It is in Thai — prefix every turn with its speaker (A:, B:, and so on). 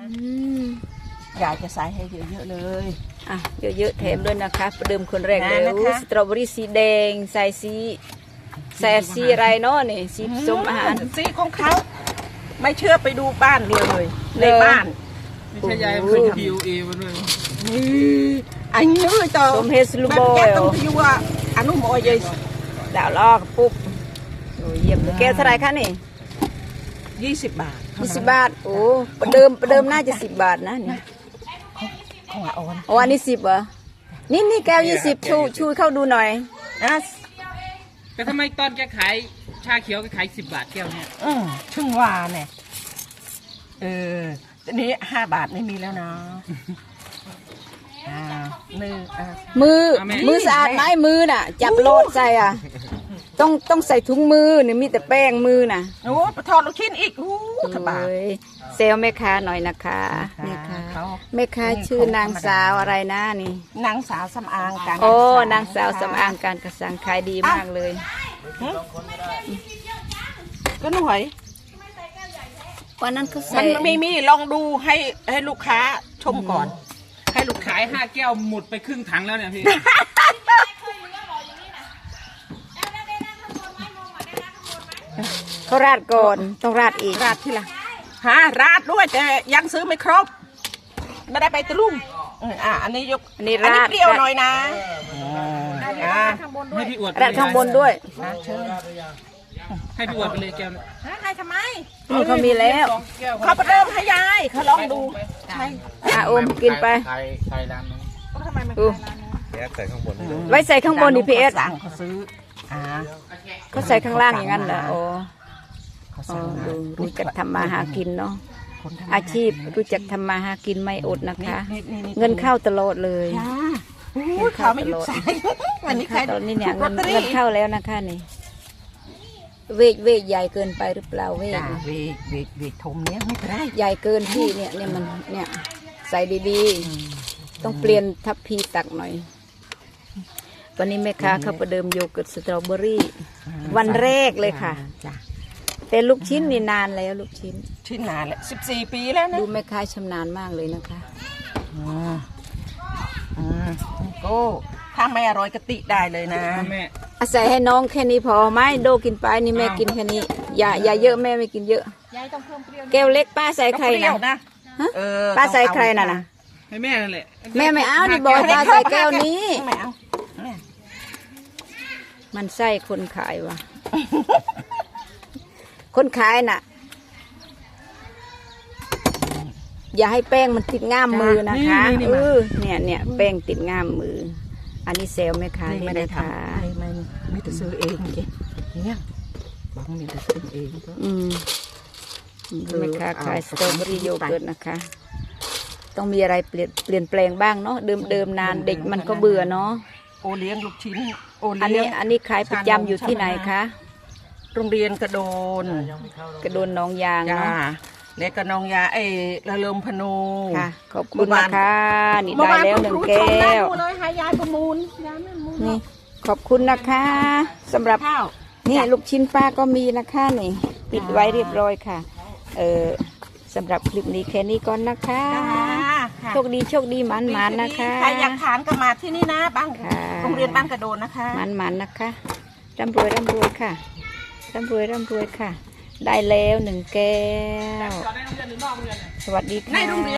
A: อยากจะใส่ให้เยอะๆเลย
B: อ่ะเยอะๆแถมด้วยนะคะประเดิมคนแรกเลยสตรอเบอรี่สีแดงใส่สีอะไรเนาะนี่สีส้มอาหาร
A: สีของเขาไม่เชื่อไปดูบ้านเลยในบ้าน
C: ไม่ใช่ยายเป็น PUA มาด้วย
A: อันนี้ต่อ
B: ส้มเฮสลูบอย
A: ต้องไปว่าอนุโมย
B: ดาวลอกปุ๊บเยี่ยมเลยแกเท่าไรคะนี่
A: 20 บาท
B: 20 บาทโอ้ประเดิมน่าจะ10 บาทนะนี่
A: ของอ่อน
B: อันนี้10เหรอนี่แก้ว20ชูเข้าดูหน่อย
C: แต่ทำไมตอนแกขายชาเขียวแกขาย10 บาทแก้วเนี่ย
A: ชึ่งว่าเนี่ยตอนนี้5 บาทไม่มีแล้วนะ
B: มือสะอาดไหมมือน่ะจับโลดใส่ต้องใส่ถุงมือนี่มีแต่แป้งมือน่ะ
A: โอ้ปะทอดลูกชิ้นอีกถบา
B: เซลแม่ค้าหน่อยนะคะนี่ค่ะแม่ค้าชื่อนางสาวอะไรนะนี่
A: นางสาวสำอางการ
B: โอ้นางสาวสำอางการกระสังขายดีมากเลย
A: ก็หน่วย
B: วันนั้นเขาใส่
A: มันไม่มีลองดูให้ลูกค้าชมก่อน
C: ให้ลูกขาย5 แก้วหมดไปครึ่งถังแล้วเนี่ยพี่
B: เขาราดก่อนต้องราดอีก
A: ราดที่ละราดด้วยแต่ยังซื้อไม่ครบไม่ได้ไปตะลุ่มอันนี้ยก
B: อันนี้ราด
A: เปรี้ยวหน่อยนะ
C: ให้พี่อวด
B: ราดข้างบนด้วย
C: ให้พี่อวดไปเลยแก้ว
A: ให้ทำไม
B: เขามีแล้ว
A: เขาเริ่มให้ยายเขาลองดูใช่
B: อมกินไป
C: ใส่ร้านนู้น
A: ทำไมมัน
C: ใส่ข้างบน
B: ไว้ใส่ข้างบนนี่พีเอส
A: เขาซื้อ
B: เขาใส่ข้างล่างอย่างนั้นเหรอโอ้รู้จักทำมาหากินเนาะอาชีพรู้จักทำมาหากินไม่อดนะคะเงินเข้าตลอดเลย
A: เขาไม่หยุดใส่
B: วันนี้ตอนนี้เนี่ยเงินเข้าแล้วนะคะนี่เวกใหญ่เกินไปหรือเปล่าเว
A: กทมเนี้ยไม่ได้
B: ใหญ่เกินที่เนี่ยมันเนี่ยใส่ดีๆต้องเปลี่ยนทัพพีตักหน่อยวันนี้แม่ค้าเขาประเดิมโยเกิร์ตสตรอเบอรี่วันแรกเลยค่ะแต่ลูกชิ้นนี่นานแล้วลูกชิ้น
A: นานแล้ว14 ปีแล้วนะ
B: ดูแม่ค้าชำนาญมากเลยนะคะ
A: ก็ถ้าไม่อร่อยกะติได้เลยนะ
C: แม่
B: อาศัยให้น้องแค่นี้พอไหมโดกินไปนี่แม่กินแค่นี้อย่าเยอะแม่ไม่กินเยอะแก้วเล็กป้าใส่ใครนะป้าใส่ใครน่ะ
C: ให้แม่นั่นแหละ
B: แม่ไม่เอานี่บอกป้าใส่แก้วนี้
A: ไม่เอา
B: มันไส้คนขายวะคนขายน่ะอย่าให้แป้งมันติดง่ามมือนะคะเนี่ยแป้งติดง่ามมืออันนี้เซลล์ไหมคะ
A: ไม่ได้ทำไม่ได้ซื้อเองเนี่ยบางมีแต่ซื้อเอง
B: แม่ค้าขายสตรอเบอรี่โยเกิร์ตนะคะต้องมีอะไรเปลี่ยนแปลงบ้างเนาะเดิมนานเด็กมันก็เบื่อเนาะ
A: โอเลี้ยงลูกชิ้น
B: อันนี้ขายประจำอยู่ที่ไหนคะ
A: โรงเรียนกระโดน
B: น้องยางเนาะ
A: เล็กกับน้องยาละเลิมพนู
B: ค่ะขอบคุณนะคะนี่ได้แล้ว1 แก้ว
A: เลยให้ยายประมูล
B: นี่ขอบคุณนะคะสำหรับนี่ลูกชิ้นป้าก็มีนะคะนี่ปิดไว้เรียบร้อยค่ะสำหรับคลิปนี้แค่นี้ก่อนนะคะโชคดีหมันนะคะ
A: ใครอยากทานก็มาที่นี่นะบ้านโรงเรียนบ้านกระโดนนะคะ
B: หมันนะคะร่ำรวยค่ะร่ำรวยค่ะได้แล้ว1 แก้วสวัสดีค่ะ